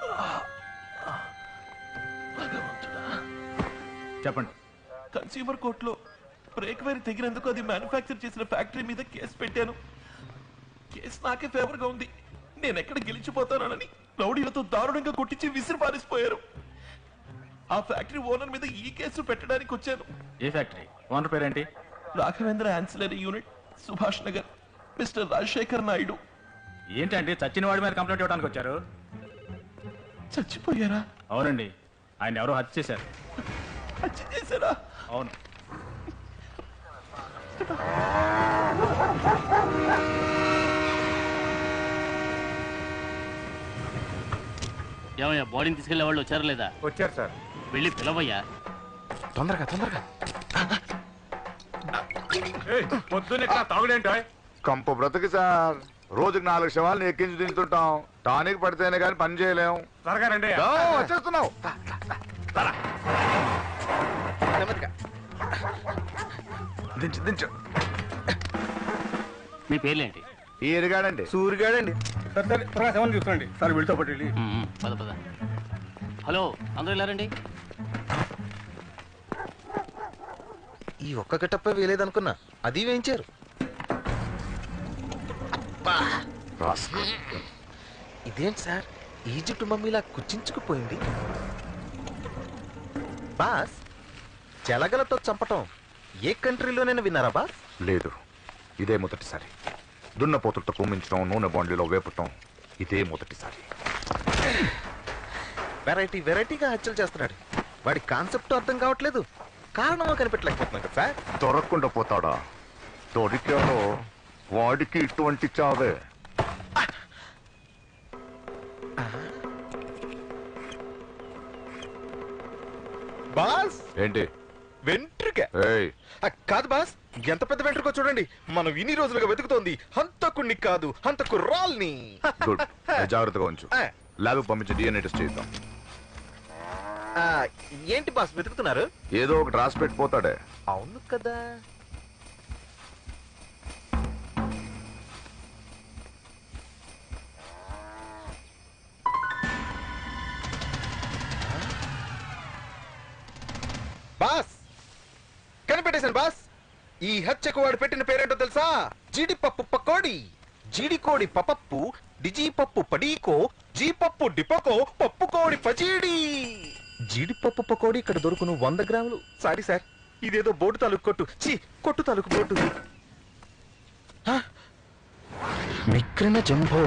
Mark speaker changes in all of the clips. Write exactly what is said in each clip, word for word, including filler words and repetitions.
Speaker 1: చెప్పండి.
Speaker 2: కన్స్యూమర్ కోర్టులో brake wire తెగినందుకు అది మ్యానుఫ్యాక్చర్ చేసిన ఫ్యాక్టరీ మీద కేసు పెట్టాను. కేసు నాకే ఫేవర్ గా ఉంది. నేను ఎక్కడ గెలిచిపోతానని రౌడీలతో దారుణంగా కొట్టించి విసిరి పారేసిపోయారు. ఆ ఫ్యాక్టరీ ఓనర్ మీద ఈ కేసు పెట్టడానికి వచ్చాను.
Speaker 1: ఏ ఫ్యాక్టరీ ఓనర్ పేరేంటి?
Speaker 2: Raghavendra ancillary unit, Subhash Nagar, mister Rajasekhar Naidu.
Speaker 1: ఏంటండి చచ్చిన వాడి మీద కంప్లైంట్ ఇవ్వడానికి వచ్చారు?
Speaker 2: చచ్చిపోయారా?
Speaker 1: అవునండి, ఆయన ఎవరో హత్య చేశారు.
Speaker 2: హత్య చేశారా?
Speaker 1: అవును.
Speaker 3: ఏమయ్యా, బాడీని తీసుకెళ్లే వాళ్ళు వచ్చారా లేదా?
Speaker 1: వచ్చారు సార్.
Speaker 3: వెళ్ళి పిలవయ్యా.
Speaker 1: తొందరగా తొందరగా. తాగుడేంటో
Speaker 4: కంపు బ్రతుకు సార్. రోజుకి నాలుగు శవాలను ఎక్కించి దించుతుంటాం. టానిక్ పడితేనే కానీ పని చేయలేము.
Speaker 1: త్వరగా రండి.
Speaker 4: వచ్చేస్తున్నావు. దించు దించు.
Speaker 3: మీ పేర్లేంటి?
Speaker 4: ఈ ఎరిగాడండి.
Speaker 1: సూరిగాడండి. త్వరగా శవం చూసుకోండి సార్. వీళ్ళతో పాటు వెళ్ళి.
Speaker 3: పద పద. హలో, అందరూ వెళ్ళారండి.
Speaker 5: ఈ ఒక్క గట్టప్ప వేయలేదనుకున్నా, అది వేయించారు. ఇదేంటి సార్, ఈజిప్ట్ మమ్మీలా కుచించుకుపోయింది. బాస్, జలగలతో చంపటం ఏ కంట్రీలోనైనా విన్నారా బాస్?
Speaker 4: లేదు, ఇదే మొదటిసారి. దున్నపోతులతో కుమ్మించడం, నూనె బాండ్లీలో వేపటం ఇదే మొదటిసారి.
Speaker 5: వెరైటీ వెరైటీగా హత్యలు చేస్తున్నాడు. వాడి కాన్సెప్ట్ అర్థం కావట్లేదు, కారణమో కనిపెట్టలేకపోతున్నాం కదా సార్.
Speaker 4: దొరకకుండా పోతాడా? దొరికాడో వాడికి ఇటువంటి చావే.
Speaker 5: బాస్,
Speaker 4: ఏంటి?
Speaker 5: వెంట్రుక
Speaker 4: ఏయ్,
Speaker 5: కాదు బాస్, ఎంత పెద్ద వెంట్రుకో చూడండి. మనం ఇన్ని రోజులుగా వెతుకుతోంది హంతకుణ్ణి కాదు, హంతకు రాల్ని.
Speaker 4: గుడ్, జాగ్రత్తగా ఉంచు. ల్యాబ్ పంపించి డిఎన్ఏ టెస్ట్ చేద్దాం.
Speaker 5: ఏంటి బాస్ వెతుకుతున్నారు?
Speaker 4: ఏదో ఒకటి రాసి పెట్టిపోతాడే.
Speaker 5: అవును కదా. బాస్, కనిపెట్టేశాను బాస్. ఈ హత్యకు వాడు పెట్టిన పేరేంటో తెలుసా? జీడిపప్పు పకోడి. జీడికోడి పపప్పు, డిజీపప్పు పడీకో, జీపప్పు డిపకో, పప్పు కోడి పచీడి. జీడిపప్పు పకోడి ఇక్కడ దొరుకును వంద గ్రాములు. సారీ సార్, ఇదేదో బోటు తాలూకు కొట్టు. చీ, కొట్టు తాలూకు బోటు. మిక్రిన జంబో.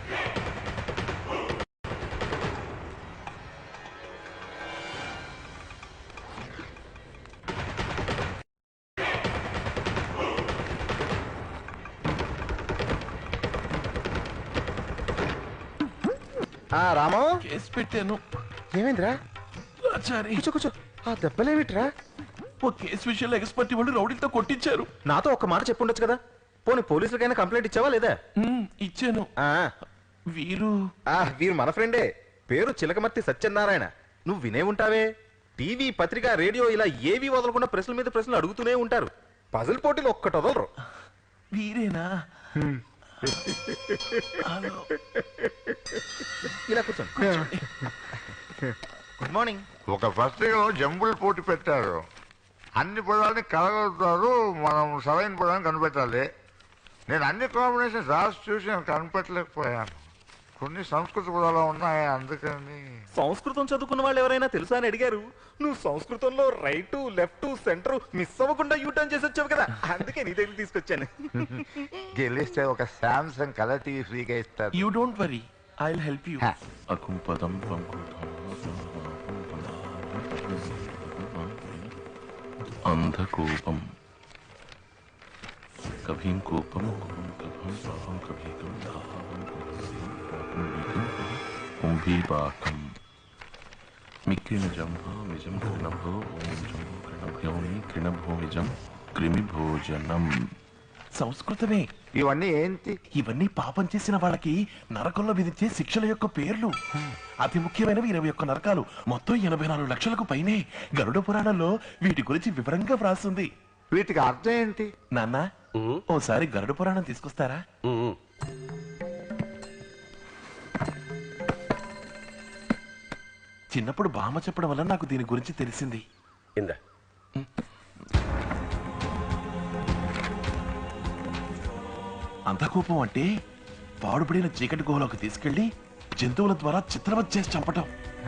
Speaker 5: రామో,
Speaker 2: కేసు పెట్టాను.
Speaker 5: ఏమైందిరా?
Speaker 2: ఆచారి,
Speaker 5: కూర్చో కూర్చో. ఆ దెబ్బలేమిట్రా?
Speaker 2: ఓ కేసు విషయంలో ఎక్స్పర్ట్ వాళ్ళు రౌడీలతో కొట్టించారు.
Speaker 5: నాతో ఒక మాట చెప్పుండొచ్చు కదా. పోనీ పోలీసులకైనా కంప్లైంట్ ఇచ్చావా లేదా?
Speaker 2: ఇచ్చాను. వీరు
Speaker 5: వీరు మన ఫ్రెండే. పేరు చిలకమర్తి సత్యనారాయణ. నువ్వు వినే ఉంటావే. టీవీ, పత్రిక, రేడియో ఇలా ఏవి వదలకుండా ప్రశ్నల మీద ప్రశ్నలు అడుగుతూనే ఉంటారు. పజిల్ పోటీలు ఒక్కటి వదలరు.
Speaker 2: వీరేనా?
Speaker 5: ఇలా కూర్చోండి. Good morning.
Speaker 4: ఒక పత్రికలో జంబుల్ పోటీ పెట్టారు. అన్ని పదాలని కలగలుగుతారు, మనం సరైన పదాన్ని కనిపెట్టాలి. నేను అన్ని కాంబినేషన్స్ రాసి చూసి నేను కనిపెట్టలేకపోయాను. కొన్ని సంస్కృత పదాలు ఉన్నాయి, అందుకని.
Speaker 5: సంస్కృతం చదువుకున్న వాళ్ళు ఎవరైనా తెలుసా అని అడిగారు. నువ్వు సంస్కృతంలో రైట్, లెఫ్ట్, సెంటర్ మిస్ అవ్వకుండా యూటర్న్ చేసి వచ్చావు కదా, అందుకే నీ దగ్గర తీసుకొచ్చాను.
Speaker 4: గెలిస్తే ఒక సామ్సంగ్ కలర్ టీవీ ఫ్రీగా ఇస్తారు.
Speaker 2: You don't worry, I will help you.
Speaker 4: అకుంపదం
Speaker 2: అంధకూపం కభీం కూపం కభం కభీకం కుంభీపాకం మిక్కిన జంభో విజం కృణభో ఓం జంభో కృణభ్యోమి కృణభో విజం క్రిమిభోజనం. సంస్కృతమే
Speaker 4: ఇవన్నీ ఏంటి?
Speaker 2: ఇవన్నీ పాపం చేసిన వాళ్ళకి నరకంలో విధించే శిక్షల యొక్క పేర్లు. అతి ముఖ్యమైనవి ఇరవై ఒక్క నరకాలు, మొత్తం ఎనభై నాలుగు లక్షలకు పైనే. గరుడ పురాణంలో వీటి గురించి వివరంగా వ్రాస్తుంది.
Speaker 4: వీటికి అర్థం ఏంటి?
Speaker 2: నాన్న, ఓసారి గరుడ పురాణం తీసుకొస్తారా? చిన్నప్పుడు బామ్మ చెప్పడం వల్ల నాకు దీని గురించి తెలిసింది.
Speaker 6: ఇందా
Speaker 2: అంధకూపం అంటే పాడుపడిన చీకటి గుహలోకి తీసుకెళ్లి జంతువుల ద్వారా చిత్రవత్ చేసి చంపటం.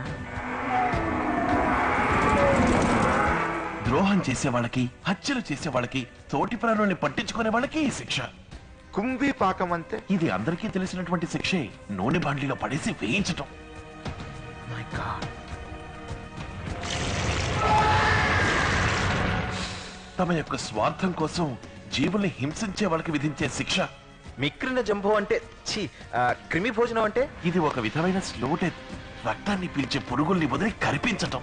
Speaker 2: ద్రోహం చేసే వాళ్ళకి, హత్యలు చేసే వాళ్ళకి, తోటి ప్రాణుల్ని పట్టించుకునే వాళ్ళకి ఈ శిక్ష.
Speaker 4: కుంభీ పాకం అంతే.
Speaker 2: ఇది అందరికీ తెలిసినటువంటి శిక్షే. నూనె బాండ్లీలో పడేసి వేయించటం. తమ యొక్క స్వార్థం కోసం జీవుల్ని హింసించే వాళ్ళకి విధించే శిక్ష.
Speaker 5: మిక్రిన జంబో అంటే ఛీ, ఆ, క్రిమి భోజనం అంటే
Speaker 2: ఇది ఒక విధమైన స్లో డెత్. రక్తాన్ని పీల్చే పురుగుల్ని వదిలి కరిపించటం.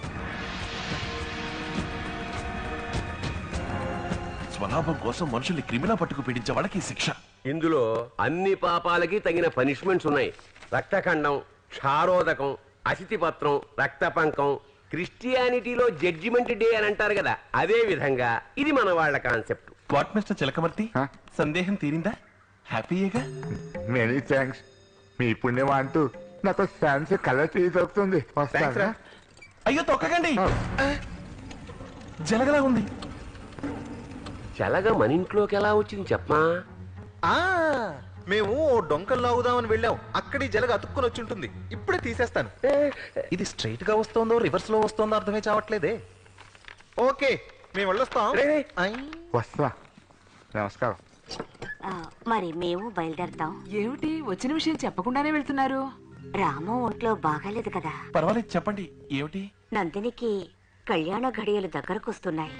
Speaker 2: స్వలాభం కోసం మనుషుల్ని క్రిమిలా పట్టుకు పీడించే వాళ్ళకి శిక్ష.
Speaker 6: ఇందులో అన్ని పాపాలకి తగిన పనిష్మెంట్స్ ఉన్నాయి. రక్తఖండం, క్షారోదకం, అసితిపత్రం, రక్తపంకం. క్రిస్టియానిటీలో జడ్జిమెంట్ డే అని అంటారు కదా, అదే విధంగా ఇది మన వాళ్ళ concept.
Speaker 2: What mister Chilakamarthi,
Speaker 4: Huh?
Speaker 2: సందేహం తీరిందా? హ్యాపీయేగా?
Speaker 4: Many thanks. మీ పుణ్యం అంటూ నాకు ఛాన్స్ కలర్ టీ దొరుకుతుంది.
Speaker 5: థ్యాంక్స్ రా.
Speaker 2: అయ్యో తొక్కకండి, జలగలా ఉంది.
Speaker 6: చల్లగా మన ఇంట్లోకి ఎలా వచ్చింది చెప్పమా?
Speaker 5: ఆ మేము ఓ డొంకలు లాగుదామని వెళ్ళాం. అక్కడి జలగ అతుక్కుని వచ్చి ఉంటుంది. ఇప్పుడే తీసేస్తాను. ఇది స్ట్రైట్ గా వస్తోందో రివర్స్ లో వస్తోందో అర్థమే చావట్లేదే. ఓకే, మేము వెళ్ళొస్తాం.
Speaker 6: రే, రే.
Speaker 5: ఐ.
Speaker 4: వస్తా. నమస్కారం.
Speaker 7: ఆ, మరి మేము బయలుదేరతాం.
Speaker 8: ఏమిటి వచ్చిన విషయం చెప్పకుండానే వెళ్తున్నారు?
Speaker 7: రాము ఒంట్లో బాగాలేదు కదా.
Speaker 2: పర్వాలేదు, చెప్పండి. ఏమిటి?
Speaker 7: నందినికి కళ్యాణ ఘడియలు దగ్గరకొస్తున్నాయి.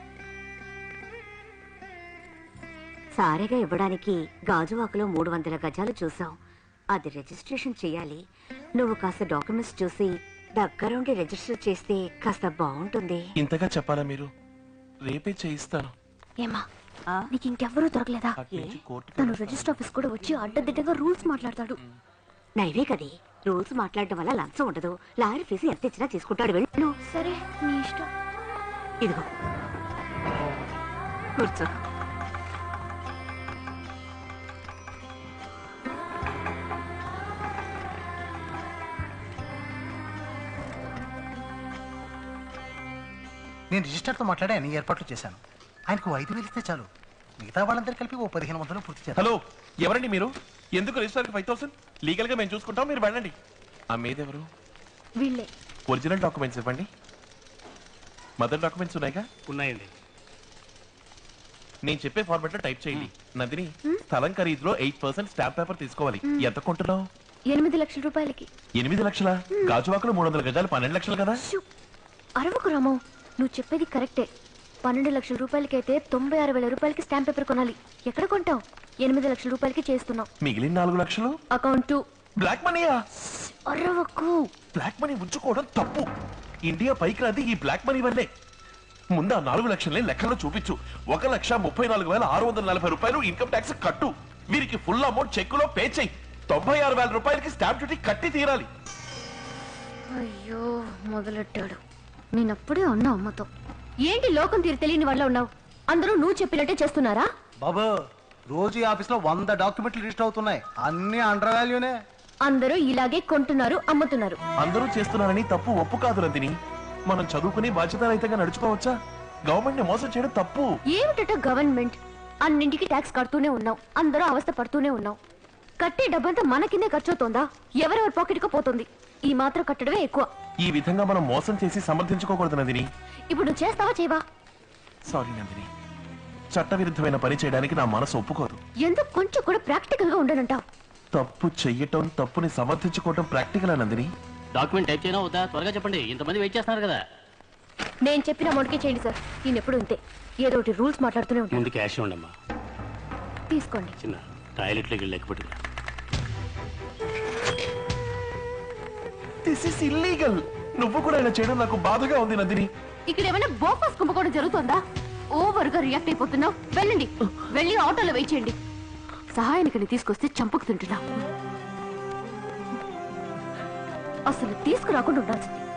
Speaker 7: సారెగా ఇవ్వడానికి గాజువాకలో మూడు వందల గజాలు చూసాం. అది రిజిస్ట్రేషన్ చేయాలి. నువ్వు కాస్త డాక్యుమెంట్స్ చూసి దగ్గరుండి రిజిస్టర్ చేస్తే కాస్త బాగుంటుంది.
Speaker 2: ఇంతగా చెప్పాలా మీరు? రేపే చేయిస్తాను.
Speaker 9: ఏమా నీకు ఇంకెవ్వరూ దొరకలేదా?
Speaker 2: అట్నుంచి కోర్టుకి
Speaker 9: తను
Speaker 2: వెళ్తాను.
Speaker 9: రిజిస్టర్ ఆఫీస్ కూడా వచ్చి అడ్డదిడ్డగా రూల్స్ మాట్లాడతాడు.
Speaker 7: నైవే కదే, రూల్స్ మాట్లాడటం వల్ల లంచం ఉండదు. లారీ ఫీజు ఎంత ఇచ్చినా తీసుకుంటాడు. వెళ్ళు.
Speaker 9: సరే నీ ఇష్టం.
Speaker 7: ఇదిగో కూర్చో.
Speaker 10: నేను రిజిస్టర్తో మాట్లాడి అన్ని ఏర్పాట్లు చేశాను. ఆయనకు ఐదు వేలు ఇస్తే చాలు. మిగతా వాళ్ళందరూ కలిపి ఓ పదిహేను వందలు పూర్తి చేస్తాను.
Speaker 2: హలో, ఎవరండి మీరు? ఎందుకు రిజిస్టర్ ఫైవ్ థౌసండ్? లీగల్ గా మేము చూసుకుంటాం, మీరు వెళ్ళండి. ఆ మీదెవరు?
Speaker 9: వీళ్ళే.
Speaker 2: ఒరిజినల్ డాక్యుమెంట్స్ ఇవ్వండి. మదర్ డాక్యుమెంట్స్ ఉన్నాయిగా?
Speaker 3: ఉన్నాయండి.
Speaker 2: నేను చెప్పే ఫార్మాట్ లో టైప్ చేయండి. నందిని, స్థలం ఖరీదులో ఎయిట్ పర్సెంట్ స్టాంప్ పేపర్ తీసుకోవాలి. ఎంత కొంటున్నావు?
Speaker 9: ఎనిమిది లక్షల రూపాయలకి.
Speaker 2: ఎనిమిది లక్షల గాజువాకలు మూడు వందల గజాలు పన్నెండు లక్షలు కదా?
Speaker 9: షూ! అరవకు రామో, నువ్వు చెప్పేది కరెక్టే. పన్నెండు లక్షల రూపాయలకైతే తొంభై ఆరు వేల రూపాయలకి స్టాంప్ పేపర్ కొనాలి. ఎక్కడ కొంటావు? ఎనిమిది లక్షల రూపాయలకి చేస్తున్నావు.
Speaker 2: మిగిలిన నాలుగు లక్షలు
Speaker 9: అకౌంట్
Speaker 2: బ్లాక్ మనీయా?
Speaker 9: అరవకు.
Speaker 2: బ్లాక్ మనీ ఉంచుకోవడం తప్పు. ఇండియా పైకి రాది ఈ బ్లాక్ మనీ వల్లే. ముందు ఆ నాలుగు లక్షల్ని లెక్కల్లో చూపించు. ఒక లక్ష ముప్పై నాలుగు వేల ఆరు వందల నలభై రూపాయలు ఇన్కమ్ ట్యాక్స్ కట్టు. వీరికి ఫుల్ అమౌంట్ చెక్కులో పే చేయి. తొంభై ఆరు వేల రూపాయలకి స్టాంప్ డ్యూటీ కట్టి తీరాలి.
Speaker 9: అయ్యో మొదలెట్టాడు. నేనప్పుడే అన్నా అమ్మతో, ఏంటి లోకం తీరు తెలియని వాళ్ళ ఉన్నావు? అందరూ నువ్వు చెప్పినట్టే చేస్తున్నారా?
Speaker 10: బాబు, రోజు ఈ ఆఫీస్ లో వంద డాక్యుమెంట్లు రిజిస్టర్ అవుతున్నాయి. అన్ని అండర్ వాల్యూనే.
Speaker 9: అందరూ ఇలాగే కొంటున్నారు, అమ్ముతున్నారు.
Speaker 2: అందరూ చేస్తున్నారని తప్పు ఒప్పు కాదు నందిని. మనం చదువుకుని బాధ్యతారహితంగా నడుచుకోవచ్చా? గవర్నమెంట్ ని మోసం చేయడం తప్పు.
Speaker 9: ఏమిటట గవర్నమెంట్? అన్నింటికి ట్యాక్స్ కడుతూనే ఉన్నావు, అందరూ అవస్థ పడుతూనే ఉన్నావు. కట్టే డబ్బంతా మన కిందే ఖర్చు అవుతోందా? ఎవరెవరి పాకెట్ కు పోతుంది? ఈ మాత్రం కట్టడమే ఎక్కువ.
Speaker 2: ఈ విధంగా మనం మోసం చేసి సమర్థించుకోకూడదు నందిని.
Speaker 9: ఇప్పుడు నువ్వు చేస్తావా చేయవా?
Speaker 2: సారీ నందిని, చట్టవిరుద్ధమైన పని చేయడానికి నా మనసు ఒప్పుకోదు.
Speaker 9: ఎందుకు కొంచెం కూడా ప్రాక్టికల్ గా ఉండనంటావు?
Speaker 2: తప్పు చెయ్యటం, తప్పుని సమర్థించుకోవటం ప్రాక్టికల్ నందిని.
Speaker 3: డాక్యుమెంట్ టైప్ చేయనా వద్దా? త్వరగా చెప్పండి, ఇంతమంది వెయిట్ చేస్తున్నారు కదా.
Speaker 9: నేను చెప్పిన అమౌంట్కే చేయండి సార్. నేను ఎప్పుడు అంతే, ఏదో ఒకటి రూల్స్ మాట్లాడుతూనే ఉంటాను.
Speaker 3: ముందు క్యాష్ ఉండమ్మా.
Speaker 9: తీసుకోండి.
Speaker 3: చిన్న టాయిలెట్లోకి వెళ్ళి లెక్క పెట్టుకురా.
Speaker 2: This is illegal. నువ్వు కూడా ఇలా చేయడం నాకు బాధగా ఉంది నందిని.
Speaker 9: ఇక్కడ ఏమైనా బోఫాస్ కుంభకోణం జరుగుతోందా? ఓవర్ గా రియాక్ట్ అయిపోతున్నావు. వెళ్ళండి, వెళ్ళి ఆటోలో వెయిట్ చేయండి. సహాయానికి తీసుకొస్తే చంపకు తింటున్నా. అసలు తీసుకురాకుండా ఉండాల్సింది.